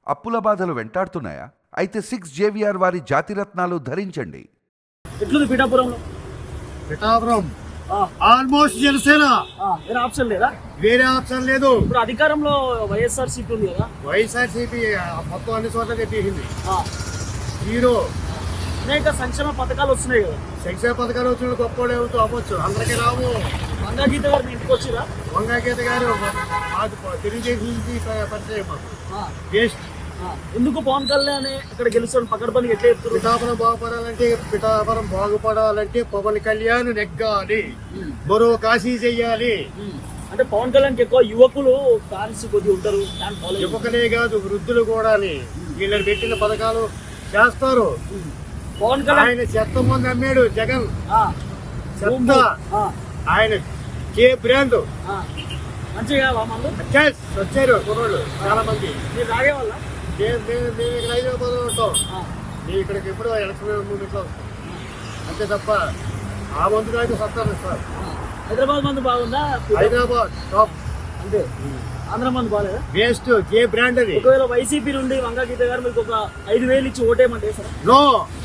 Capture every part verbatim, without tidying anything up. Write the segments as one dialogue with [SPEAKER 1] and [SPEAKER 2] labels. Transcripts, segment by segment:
[SPEAKER 1] అప్పుల బాధలు వెంటాడుతున్నాయా? అయితే సిక్స్ జేవిఆర్ వారి జాతిరత్నాలు ధరించండి.
[SPEAKER 2] ఎట్లుంది పిఠాపురంలో?
[SPEAKER 3] పిఠాపురం ఆల్మోస్ట్ జనసేన.
[SPEAKER 2] వేరే ఆప్షన్ లేదా?
[SPEAKER 3] వేరే ఆప్షన్ లేదు.
[SPEAKER 2] ఇప్పుడు అధికారంలో వైఎస్ఆర్ సీపీ ఉంది కదా.
[SPEAKER 3] వైఎస్ఆర్ సీపీ మొత్తం అన్ని చోట్ల తెప్పించింది. హీరో
[SPEAKER 2] అనేక సంక్షేమ పథకాలు వస్తున్నాయి కదా.
[SPEAKER 3] సంక్షేమ పథకాలు వచ్చిన గొప్ప అవుతూ అవ్వచ్చు, అందరికీ రావు.
[SPEAKER 2] వంగా గీత గారు మీ ఇంటికి వచ్చిరా?
[SPEAKER 3] వంగా గీత గారు మాకు తెలుగుదేశం నుంచి పరిచయం. మాకు వేస్ట్.
[SPEAKER 2] ఎందుకు పవన్ కళ్యాణ్ ఇక్కడ గెలుస్తాడు పకడ్బందీ ఎట్లా చెప్తారు?
[SPEAKER 3] పిఠాపురం బాగుపడాలంటే పిఠాపురం బాగుపడాలంటే పవన్ కళ్యాణ్ నెగ్గాలి, మరో కాశీ చెయ్యాలి.
[SPEAKER 2] అంటే పవన్ కళ్యాణ్ ఎక్కువ యువకులు ఫ్యాన్స్ కొద్ది ఉంటారు.
[SPEAKER 3] యువకులే కాదు, వృద్ధులు కూడా వీళ్ళని పెట్టిన పథకాలు చేస్తారు.
[SPEAKER 2] పవన్ కళ్యాణ్
[SPEAKER 3] ఆయన చెత్త మంది అమ్మాడు జగన్. చెత్త ఆయన కే బ్రాండ్
[SPEAKER 2] మంచిగా
[SPEAKER 3] వచ్చారు కుర్రోళ్ళు చాలా మంది.
[SPEAKER 2] మీరు తాగే వాళ్ళ
[SPEAKER 3] మేము మేము ఇక్కడ హైదరాబాద్ ఉంటాం. మేము ఇక్కడికి ఎప్పుడో ఎలక్షన్ మూమెంట్లో వస్తాం అంతే తప్ప ఆ మందులు అయితే సత్తారు సార్.
[SPEAKER 2] హైదరాబాద్ మందు బాగుందా?
[SPEAKER 3] హైదరాబాద్ టాప్
[SPEAKER 2] అంతే. ఆంధ్ర మందు బాగాలేదా?
[SPEAKER 3] వేస్ట్. కే బ్రాండ్ అది.
[SPEAKER 2] ఒకవేళ వైసీపీ నుండి వంగా గీత గారు మీకు ఒక ఐదు వేలు ఇచ్చి ఓటేయమంటే సార్?
[SPEAKER 3] నో.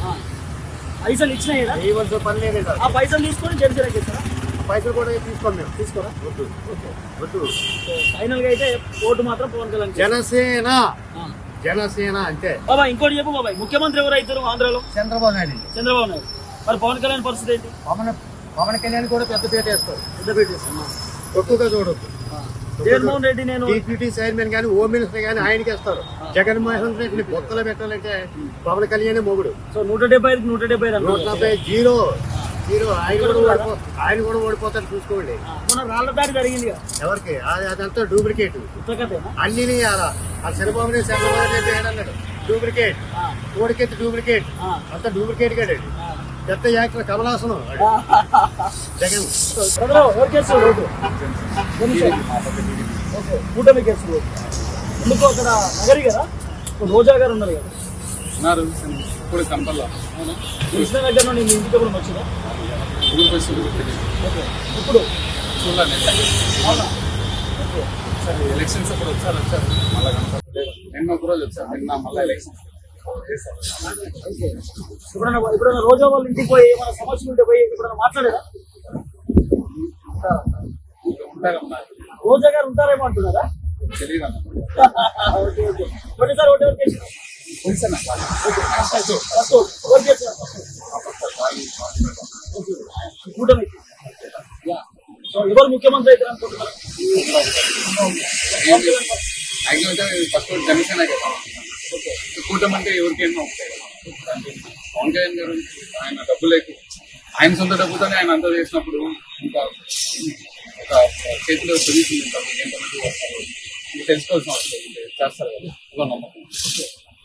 [SPEAKER 2] పైసలు ఇచ్చినాయి కదా,
[SPEAKER 3] ఇవ్వాల్సిన పని లేదు.
[SPEAKER 2] ఆ పైసలు తీసుకొని జనసేనకి ఇస్తారా?
[SPEAKER 3] పైసలు కూడా తీసుకోండి మేము.
[SPEAKER 2] తీసుకోరా?
[SPEAKER 3] వద్దు వద్దు.
[SPEAKER 2] ఫైనల్ గా అయితే ఓటు మాత్రం పవన్ కళ్యాణ్.
[SPEAKER 3] జనసేన జనసేన అంతే.
[SPEAKER 2] బాబా ఇంకోటి చెప్పు బాబాయ్, ముఖ్యమంత్రి ఎవరు అవుతారు ఆంధ్రాలో?
[SPEAKER 3] చంద్రబాబు నాయుడు.
[SPEAKER 2] చంద్రబాబు నాయుడు. మరి పవన్ కళ్యాణ్ పరిస్థితి ఏంటి?
[SPEAKER 3] పవన్ పవన్ కళ్యాణ్ కూడా పెద్ద పేట వేస్తారు.
[SPEAKER 2] పెద్ద పేట వేస్తాం.
[SPEAKER 3] తక్కువగా చూడొద్దు.
[SPEAKER 2] జగన్మోహన్ రెడ్డి నేను
[SPEAKER 3] డిప్యూటీ చైర్మన్ కానీ హోమ్ మినిస్టర్ కానీ ఆయనకి ఇస్తారు. జగన్మోహన్ రెడ్డిని బొక్కలు పెట్టాలంటే పవన్ కళ్యాణ్ మొగుడు.
[SPEAKER 2] సో నూట డెబ్బై ఐదు నూట డెబ్బై ఐదు
[SPEAKER 3] నూట డెబ్బై జీరో జీరో. ఆయన కూడా ఓడిపో ఆయన కూడా ఓడిపోతారు చూసుకోండి.
[SPEAKER 2] మన రాళ్ల దాడి జరిగింది కదా,
[SPEAKER 3] ఎవరికి? అదంతా డూప్లికేట్. అన్ని ఆ చంద్రబాబు చంద్రబాబు రెడ్డి అన్నాడు డూప్లికేట్, ఓడికెత్తి డూప్లికేట్, అంతా డూప్లికేట్ కాడు. పెద్ద యాక్టర్ కమలాసనం జగన్.
[SPEAKER 2] కూటమి కేసు ఎందుకు అక్కడ నగరి కదా, రోజా గారు ఉన్నారు కదా.
[SPEAKER 4] ఇప్పుడు కంపల్లో
[SPEAKER 2] కృష్ణ దగ్గర నుండి మీ ఇంటికి ఎప్పుడు వచ్చిందా? ఇప్పుడు అవునా?
[SPEAKER 4] సరే ఎలక్షన్స్ అప్పుడు వచ్చారు వచ్చారు మళ్ళీ కనపడలేదు. నిన్న ఒక రోజు వచ్చారు, నిన్న మళ్ళీ ఎలక్షన్స్.
[SPEAKER 2] ఎప్పుడన్నా ఎప్పుడన్నా రోజా వాళ్ళ ఇంటికి పోయి ఏమైనా సమస్యలు ఉంటే పోయి ఎప్పుడన్నా మాట్లాడారా?
[SPEAKER 4] ఉంటారమ్మా.
[SPEAKER 2] రోజా గారు ఉంటారేమో అంటున్నారా?
[SPEAKER 4] తెలియదు అన్న.
[SPEAKER 2] Okay okay. ఒకటేసారి ఒకటి ఎవరికి వేసినా? కూటమి ఎవరు ముఖ్యమంత్రి అయితే అనుకుంటున్నారు?
[SPEAKER 4] ఫస్ట్ జనసేన కదా. కూటమి అంటే ఎవరికేమో ఉంటాయి కదా. పవన్ కళ్యాణ్ గారు ఆయన డబ్బులు ఎక్కువ, ఆయన సొంత డబ్బుతోనే ఆయన అంతా చేసినప్పుడు ఇంకా ఒక చేతిలో పొజిషన్ ఉంటుంది. ఎంతమంది వస్తారు తెలుసుకోవాల్సిన అవసరం చేస్తారు కదా.